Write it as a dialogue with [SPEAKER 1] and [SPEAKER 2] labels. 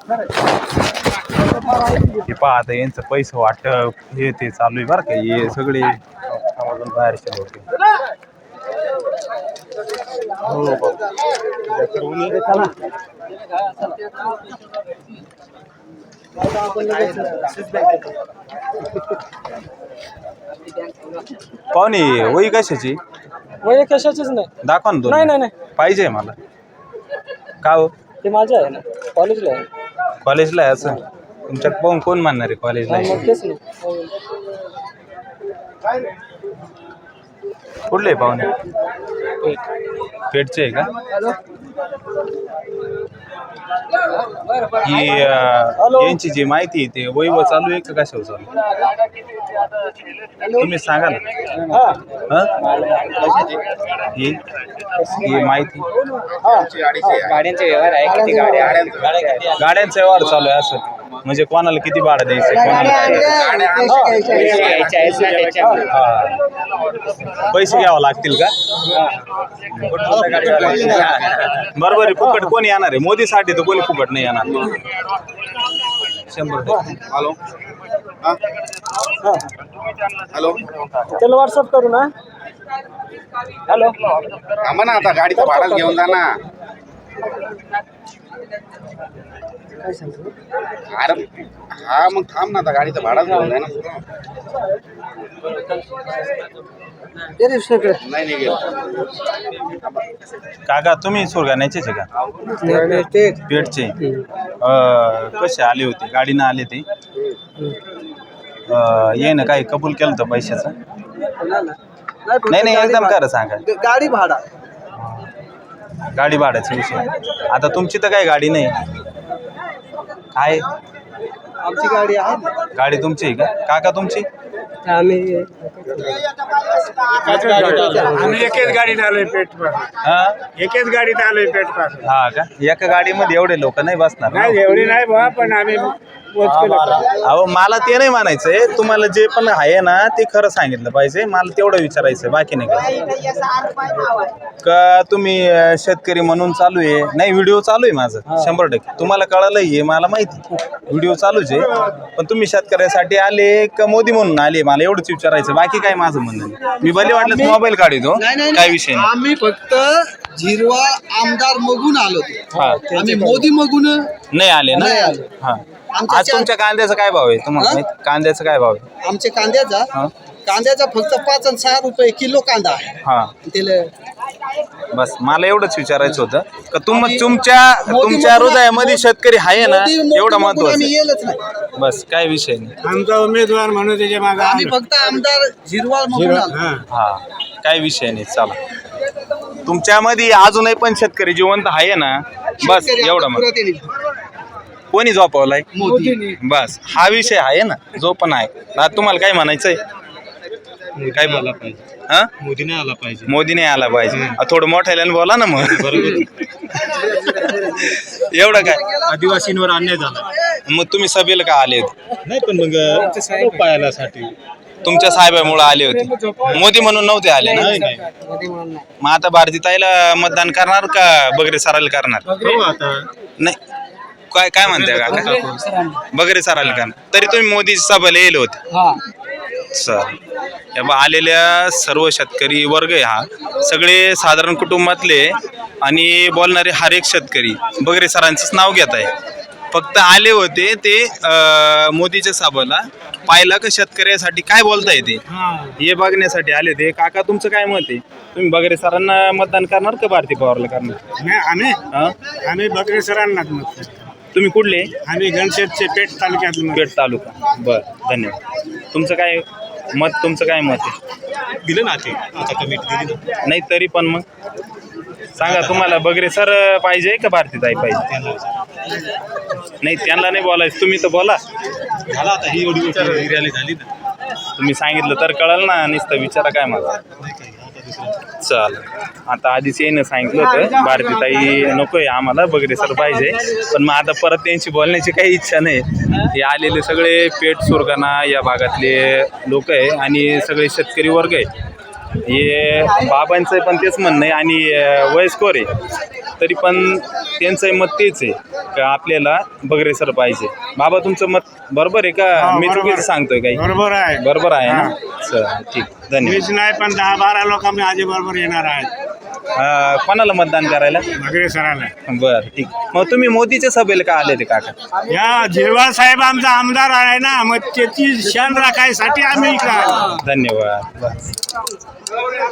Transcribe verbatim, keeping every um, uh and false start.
[SPEAKER 1] हे पहा आता यांचं पैसे वाटप हे ते चालू आहे बरं का. हे सगळे आवाजून बाहेरचे होते. पाहुणे वही कशाची?
[SPEAKER 2] वय कशाचीच नाही.
[SPEAKER 1] दाखवा ना दोन.
[SPEAKER 2] नाही नाही नाही
[SPEAKER 1] पाहिजे मला. का हो?
[SPEAKER 2] ते माझं आहे ना, कॉलेजला आहे.
[SPEAKER 1] कॉलेजला आहे असं? तुमच्यात पाहून कोण मानणार आहे कॉलेजला आहे?
[SPEAKER 2] मग तेच नाही.
[SPEAKER 1] कुठले पाहुणे? पेटचे आहे का? ही यांची जी माहिती आहे ते वैव चालू आहे का कशावर चालू? तुम्ही सांगा ना. ही ही माहिती
[SPEAKER 2] गाड्यांचे व्यवहार आहे. किती गाड्या
[SPEAKER 1] गाड्यांचा व्यवहार चालू आहे असं म्हणजे कोणाला किती भाडं द्यायचं कोणाला पैसे घ्यावं लागतील का? बरोबर आहे. फुकट कोणी येणार आहे? मोदीसाठी तर कोणी फुकट नाही येणार. शंभर
[SPEAKER 3] हॅलो हॅलो
[SPEAKER 2] त्याला व्हॉट्सअप करू ना. हॅलो
[SPEAKER 3] थांबा ना आता गाडीचं भाडं घेऊन जा ना. अरे हा मग थांब ना आता गाडीचं भाडं घेऊन जा ना. नाही नाही गेलं.
[SPEAKER 1] काका तुम्ही सुरगाण्याचेच आहे का? पेठचे. कसे आले होते? गाडीनं आले ते? ये ना काही कबूल केलं तर पैशाचं? नाही नाही एकदम खरं सांगा.
[SPEAKER 2] गाडी भाडा
[SPEAKER 1] गाडी भाड्याचा विषय. आता तुमची तर काही गाडी नाही काय?
[SPEAKER 2] आमची गाडी आहे.
[SPEAKER 1] गाडी तुमची आहे का? काका तुमची?
[SPEAKER 2] आम्ही
[SPEAKER 4] आम्ही एकच गाडीत आलोय पेठ पासून.
[SPEAKER 1] हा
[SPEAKER 4] एकच गाडीत आलोय पेठ पासून.
[SPEAKER 1] हा का? एका गाडीमध्ये एवढे लोक नाही बसणार ना?
[SPEAKER 4] नाही एवढी नाही बा, पण आम्ही
[SPEAKER 1] अहो मला ते नाही म्हणायचंय. तुम्हाला जे पण आहे ना ते खरं सांगितलं पाहिजे. मला तेवढं विचारायचं, बाकी नाही का? का तुम्ही शेतकरी म्हणून चालू आहे? नाही व्हिडिओ चालू आहे माझं शंभर टक्के. तुम्हाला कळालं हे मला माहिती. व्हिडिओ चालूच आहे. पण तुम्ही शेतकऱ्यासाठी आले का मोदी म्हणून आले मला एवढंच विचारायचं, बाकी काय माझं म्हणणं नाही. मी भले वाटलं मोबाईल काढतो, काय विषय नाही.
[SPEAKER 5] आम्ही फक्त झिरवा आमदार मगून आलो होतो.
[SPEAKER 1] हा
[SPEAKER 5] आम्ही मोदी मगून
[SPEAKER 1] नाही आले ना.
[SPEAKER 5] नाही आलो.
[SPEAKER 1] हा आज तुमच्या कांद्याचा काय भाव आहे तुम्हाला माहित? कांद्याचा काय भाव आहे?
[SPEAKER 5] आमच्या कांद्याचा
[SPEAKER 1] हा
[SPEAKER 5] कांद्याचा फक्त पाच आणि सहा रुपये किलो कांदा आहे.
[SPEAKER 1] हा
[SPEAKER 5] त्याला
[SPEAKER 1] बस मला एवढंच विचारायचं होतं का तुम तुमच्या तुमच्या हृदयामध्ये शेतकरी आहे ना
[SPEAKER 5] मोदी- मोदी
[SPEAKER 1] एवढं
[SPEAKER 5] मगून
[SPEAKER 1] महत्वाचं
[SPEAKER 5] आम्ही
[SPEAKER 1] आहे.
[SPEAKER 5] येलच नाही.
[SPEAKER 1] बस काय विषय नाही.
[SPEAKER 4] आमचा उमेदवार म्हणून त्याच्या मागे
[SPEAKER 5] आम्ही फक्त आमदार झिरवा मगून आलो.
[SPEAKER 1] हा काय विषय नाही. चला तुमच्यामध्ये अजूनही पण शेतकरी जिवंत आहे ना. बस
[SPEAKER 5] शेतकरी
[SPEAKER 1] एवढं
[SPEAKER 5] आमचा
[SPEAKER 1] मग
[SPEAKER 5] पुरा त्यांनी
[SPEAKER 1] कोणी झोपवलाय?
[SPEAKER 5] मोदी
[SPEAKER 1] बस हा विषय आहे ना जो पण आहे. आता तुम्हाला काय म्हणायचंय? काय बोला पाहिजे? हा
[SPEAKER 4] मोदीने आला पाहिजे.
[SPEAKER 1] मोदी नाही आला पाहिजे. खूप मोठ्याने बोला ना मग. एवढं काय
[SPEAKER 4] आदिवासींवर अन्याय झाला.
[SPEAKER 1] मग तुम्ही सभेला का आले होते?
[SPEAKER 4] नाही पण मग पायालासाठी
[SPEAKER 1] तुमच्या साहेबामुळे आले होते. मोदी म्हणून नव्हते आले ना. मग आता भारतीताईला मतदान करणार का बगरे सरायला करणार? नाही काय काय म्हणताय काका? बगरे सरायला करणार. तरी तुम्ही मोदी सभेला येले होते. सर आलेल्या सर्व शेतकरी वर्ग आहे हा सगळे साधारण कुटुंबातले आणि बोलणारे हर एक शेतकरी बगरे सरांचंच नाव घेत आहे. फक्त आले होते ते मोदीच्या सभेला पाहिला का शेतकऱ्यासाठी काय बोलता येते हे बघण्यासाठी आले होते. काका तुमचं काय मत आहे? तुम्ही बगरे सरांना मतदान करणार का भारती पवारला करणार?
[SPEAKER 4] नाही आम्ही
[SPEAKER 1] हा
[SPEAKER 4] आम्ही बकरे सरांनाच मत.
[SPEAKER 1] तुम्ही कुठले?
[SPEAKER 4] आम्ही घनशेतचे पेठ तालुक्यात.
[SPEAKER 1] पेठ तालुका. बर धन्यवाद. तुमचं काय मत? तुमचं काय मत आहे?
[SPEAKER 4] दिलं ना ते आता कमिटी दिली ना.
[SPEAKER 1] नाही तरी पण मग सांगा तुम्हाला बगरे सर पाहिजे का भारतीताई पाहिजे? नाही त्यांना नाही बोलायचं, तुम्ही तर बोला.
[SPEAKER 4] झाला आता ही एवढी रॅली झाली ना.
[SPEAKER 1] तुम्ही सांगितलं तर कळलं ना. नुसतं विचारा काय मला. चल आता आधीच येणं सांगितलं होतं भारतीताई नकोय आम्हाला बगरे सर पाहिजे. पण मग आता परत त्यांची बोलण्याची काही इच्छा नाही. हे आलेले सगळे पेठ सुरगाणा या भागातले लोक आहे आणि सगळे शेतकरी वर्ग आहे. हे बाबांचं पण तेच म्हणणं आहे आणि अं, वयस्कर आहे तरी पण त्यांचं मत तेच आहे का आपल्याला बगरे सर पाहिजे. बाबा तुमचं मत बरोबर आहे का
[SPEAKER 4] हा,
[SPEAKER 1] मी
[SPEAKER 4] बरोबर.
[SPEAKER 1] चुकीचं सांगतोय काही?
[SPEAKER 4] बरोबर आहे.
[SPEAKER 1] बरोबर आहे ना.
[SPEAKER 4] हा.
[SPEAKER 1] चल ठीक धन्यवाद.
[SPEAKER 4] मीच नाही पण दहा बारा लोक आम्ही आजी बरोबर येणार आहेत
[SPEAKER 1] अं, कोणाला मतदान करायला?
[SPEAKER 4] बगरे सरांना.
[SPEAKER 1] बरं ठीक. मग तुम्ही मोदीच्या सभेला का आले ते काका?
[SPEAKER 4] या झिरवाळ साहेब आमचा आमदार आहे ना, मग त्याची शान राखायसाठी आम्ही इकडे आलो.
[SPEAKER 1] धन्यवाद. बस.